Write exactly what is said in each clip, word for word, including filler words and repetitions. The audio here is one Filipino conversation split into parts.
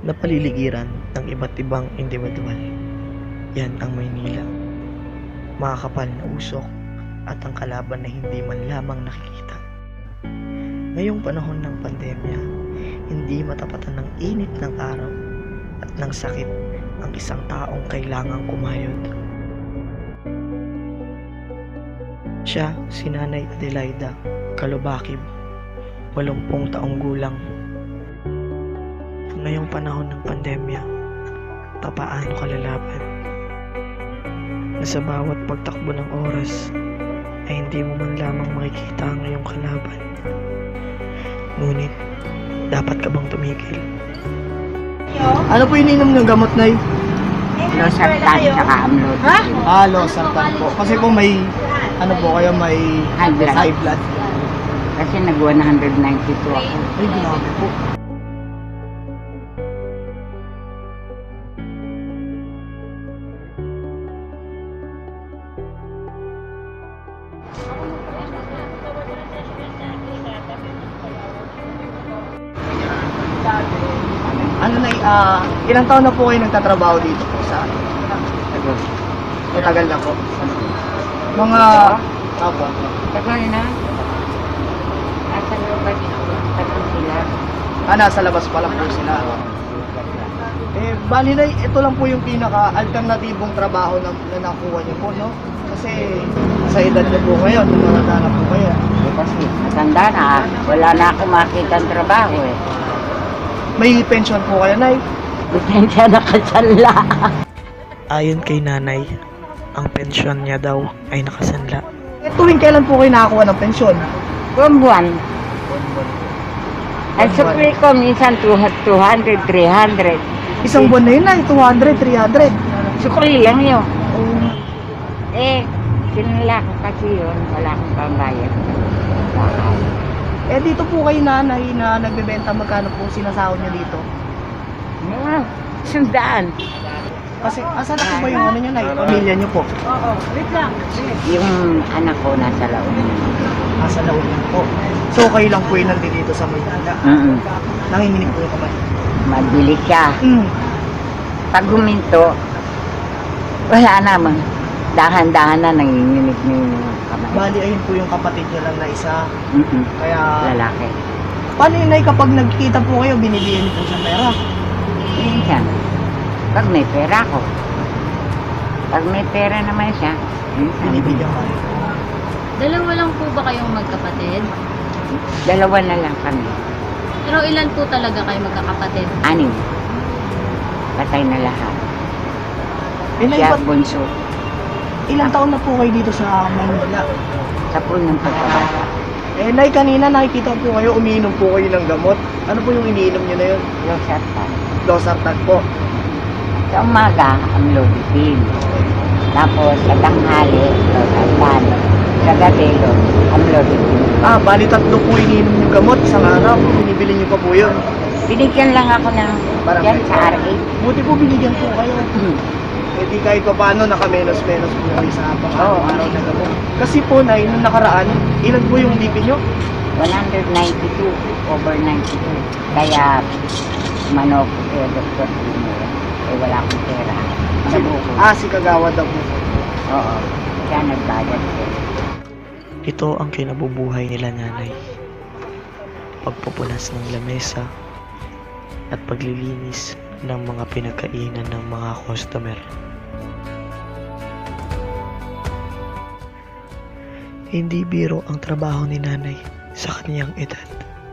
na paliligiran ng iba't ibang individual. Yan ang Maynila. Makakapal na usok at ang kalaban na hindi man lamang nakikita. Ngayong panahon ng pandemya, hindi matapatan ng init ng araw at ng sakit ang isang taong kailangang kumayod. Siya si Nanay Adelaida Calubakib, walumpung taong gulang. Ngayong panahon ng pandemya, papaano ka lalaban? Na sa bawat pagtakbo ng oras ay hindi mo man lamang makikita ang iyong kalaban. Ngunit, dapat ka bang tumigil? Ano po ininom ng gamot, Nay? Losartan tsaka amlod. Ah, losartan po. Kasi po may, ano po kayo, may High blood. high blood. Kasi nag one ninety-two ako. Ay, grabe po. Ano na, ah, ilang taon na po kayo nagtatrabaho dito po sa Tagal. matagal na po? Mga, opo. Tagal na. Nasa looban tagal sila. Ah, nasa labas pa lang po sila. Eh, bali na, ito lang po yung pinaka-alternatibong trabaho na, na nakuha niyo po, no? Kasi sa edad niyo po ngayon, tumatanda na po kayo. Eh, kasi matanda na. Wala na ako makita ang trabaho eh. May pension po kayo, Nay? Depensya na kasanla. Ayon kay Nanay, ang pensyon niya daw ay nakasanla. Eh, tuwing kailan po kayo nakakuha ng pensyon? Buwan-buwan. Ang supli ko minsan two hundred, three hundred. Isang buwan na yun, Nay, two hundred, three hundred. Sukli lang yun. Eh, sinala ko kasi yun. Wala akong pambayad. Bakal. Eh, dito po kayo, Nanay, na nagbebenta, magkano po sinasahod niyo dito? Mga sundaan. Kasi, asan na po ba yung ano niyo, Nay? Pamilya niyo po? Yung anak ko nasa laon. Nasa laon lang po. So, kayo lang po yung nandito dito sa Maynila. Mm-mm. Nanginginig po yung kamay. Mabili siya. Mm. Pag huminto, wala naman. Dahan-dahan na nanginginig na yung kamay. Bali, ayun po yung kapatid niyo lang na isa. Mm-mm. Kaya, Lalaki. paano yun, Nay, kapag nagkikita po kayo, binibigyan niyo po siya pera? Minsan, pag may pera ko. Pag may pera naman siya, minsan. Binibigyan ka rin. Dalawa lang po ba kayong magkapatid? Dalawa na lang kami. Pero ilan po talaga kayo magkakapatid? Anim. Patay na lahat. Eh, Nay, Siya ba't- bunso. ilang taon na po kayo dito sa Maynila? Sa punong pagkabata. Eh, Nay, kanina nakikita po kayo, umiinom po kayo ng gamot. Ano po yung iniinom niyo na yun? Losartan. Losartan po. Sa umaga, ang lobipin. Tapos sa tanghali, losartan. Sa gabi, ang lobipin. Ah, bali tatlo po iniinom yung gamot isang araw. Binibili niyo pa po yun. Binigyan lang ako ng Parang- yan sa R A. Buti po binigyan po kayo. Hmm. Eh di kahit pa paano, nakamenos-menos po kayo sa Oo. pang-araw na gamot. Kasi po, Nay, nung nakaraan, ilan po yung B P niyo? one ninety-two, over ninety-two. Kaya, manok, eh, doktor, eh, wala akong pera. Sa buko. Ah, si Kagawad daw po. Oo. Kaya nagbayad ko. Ito ang kinabubuhay nila Nanay. Pagpupunas ng lamesa at paglilinis ng mga pinagkainan ng mga customer. Hindi biro ang trabaho ni Nanay sa kanyang edad.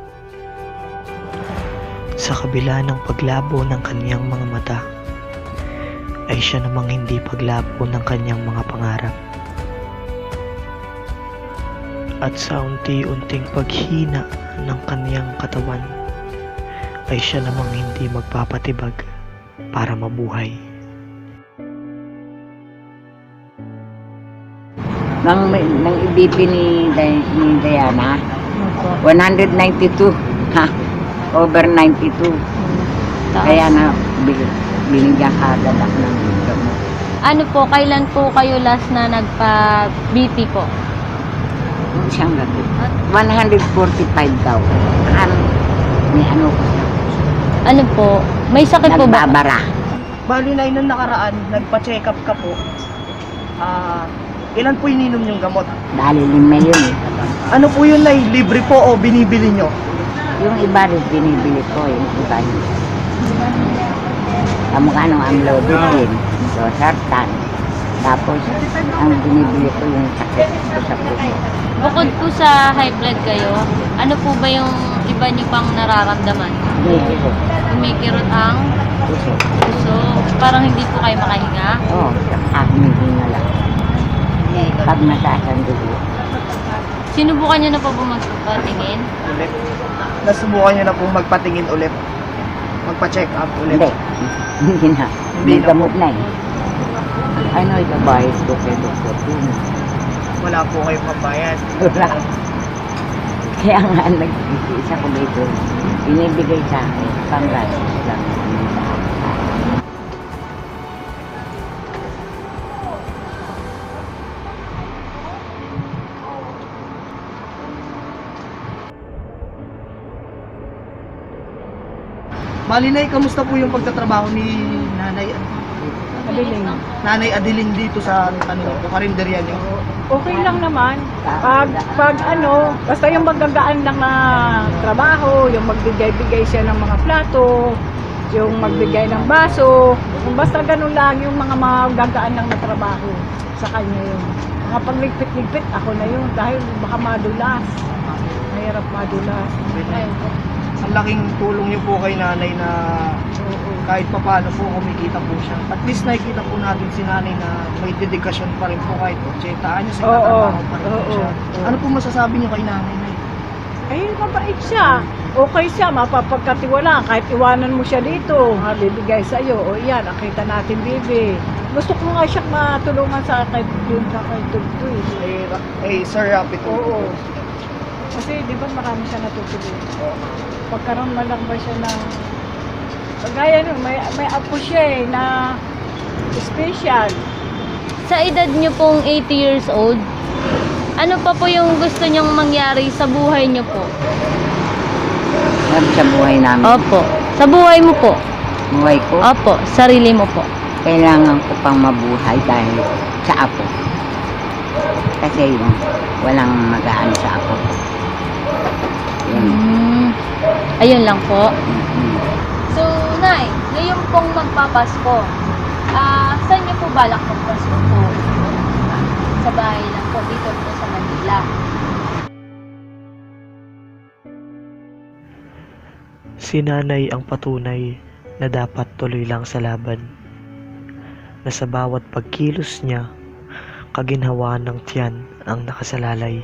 Sa kabila ng paglabo ng kanyang mga mata, ay siya namang hindi paglabo ng kanyang mga pangarap. At sa unti-unting paghina ng kanyang katawan, ay siya namang hindi magpapatibag para mabuhay. Nang, nang ibibi ni, Day- ni Diana, one ninety-two. Ha? Over ninety-two. Kaya na, bil- binigyan ka agad ako ng gamot. Ano po, kailan po kayo last na nagpa-B P po? Yung siyang gabi. one forty-five daw. Ano, may ano ko siya. Ano po? May sakit po ba? Nagbabara. Bali na nung nakaraan, nagpa-check up ka po. Ah, ilan po ininom yung gamot? Dali lima yun eh. Ano po yun, Nay? Libre po o binibili nyo? Yung iba rin binibili ko, yung iba yun. Kamukha nung amlodipine, losartan. Tapos, ang binibili ko yung sakit ko sa puso. Bukod po sa high blood kayo, ano po ba yung iba niyo pang nararamdaman? Binibili ko, Kumikirot ang puso. puso. Parang hindi po kayo makahinga. Oo, oh, humihinga lang. Pag mataas ang dugo. Sinubukan niyo na po po magpatingin? Ulit. Nasubukan nyo na po magpatingin ulit. Magpa-check up ulit. Hindi, hindi na. Hindi May na gamot na eh. Ano, ibabayad ko kay doktor yun. Wala po kayong pambayad. Wala. Kaya nga, nag-isa ko dito. Binibigay sa akin, pang-gastos lang. Bali, Nay, kamusta po yung pagtatrabaho ni Nanay Madaling. Nanay Adeline dito sa ano, karinderya niyo? Okay lang naman. Pag, pag ano, basta yung magagaan lang na trabaho, yung magbigay-bigay siya ng mga plato, yung magbigay ng baso, yung basta ganun lang yung mga magagaan lang na trabaho sa kanya yun. Mga pagligpit-ligpit, ako na yun dahil baka madulas. Mahirap madulas. Ayun. Ang laking tulong niyo po kay Nanay na Oo. kahit papaano po kumikita po siya. At least nakikita po natin si Nanay na may dedikasyon pa rin po kahit ochenta anyos, Oo, nagtatrabaho pa rin po oo, siya. oo. Ano po masasabi niyo kay Nanay, Nay? Ay, mabait siya. Okay siya, mapapagkatiwalaan. Kahit iwanan mo siya dito, ha, bibigay sa'yo. O yan, nakita natin, bibi. Gusto ko nga siyang matulungan sa akin yun sa kay Tugtoy. Eh, Ra- eh Sir Rapid po. Oo. Kasi di ba marami siya natutulungan. Pagkaroon man lang ba siya ng... Kagaya nun, may, may apo siya eh, na special. Sa edad niyo pong eighty years old, ano pa po yung gusto niyong mangyari sa buhay niyo po? Sabi sa buhay namin, Opo. Sa buhay mo po? buhay ko, Opo. Sarili mo po? kailangan ko pang mabuhay dahil sa apo. Kasi yung walang magaan sa apo. Yun. Hmm. Ayun lang po. Mm. So, Nay, ngayon pong magpapasko, ah, saan niyo po balak magpasko po? Sa bahay lang po, dito po sa Manila. Si Nanay ang patunay na dapat tuloy lang sa laban. Na sa bawat pagkilos niya, kaginhawaan ng tiyan ang nakasalalay.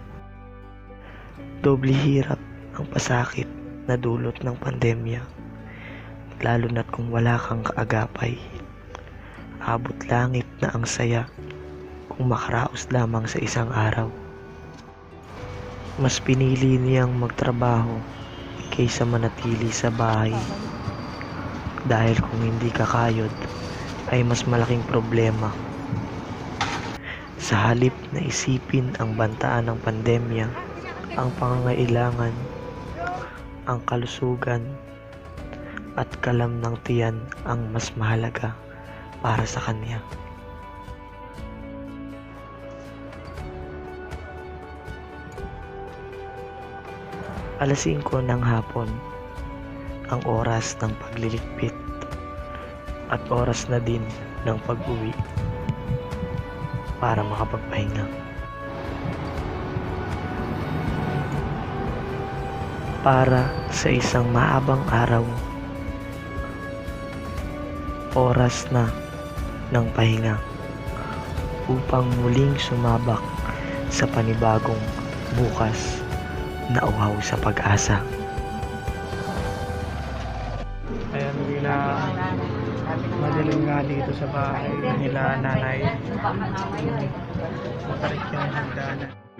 Doble hirap ang pasakit na dulot ng pandemya. Lalo na't kung wala kang kaagapay. Abot langit na ang saya kung makaraos lamang sa isang araw. Mas pinili niyang magtrabaho kaysa manatili sa bahay. Dahil kung hindi kakayod, ay mas malaking problema. Sa halip na isipin ang bantaan ng pandemya, ang pangangailangan, ang kalusugan, at kalam ng tiyan ang mas mahalaga para sa kanya. Alas singko ng hapon, ang oras ng pagliligpit at oras na din ng pag-uwi para makapagpahinga. Para sa isang maabang araw, oras na ng pahinga upang muling sumabak sa panibagong bukas na uhaw sa pag-asa. Ayan, nila madilim nga dito sa bahay nila Nanay. Matarik yung hagdanan.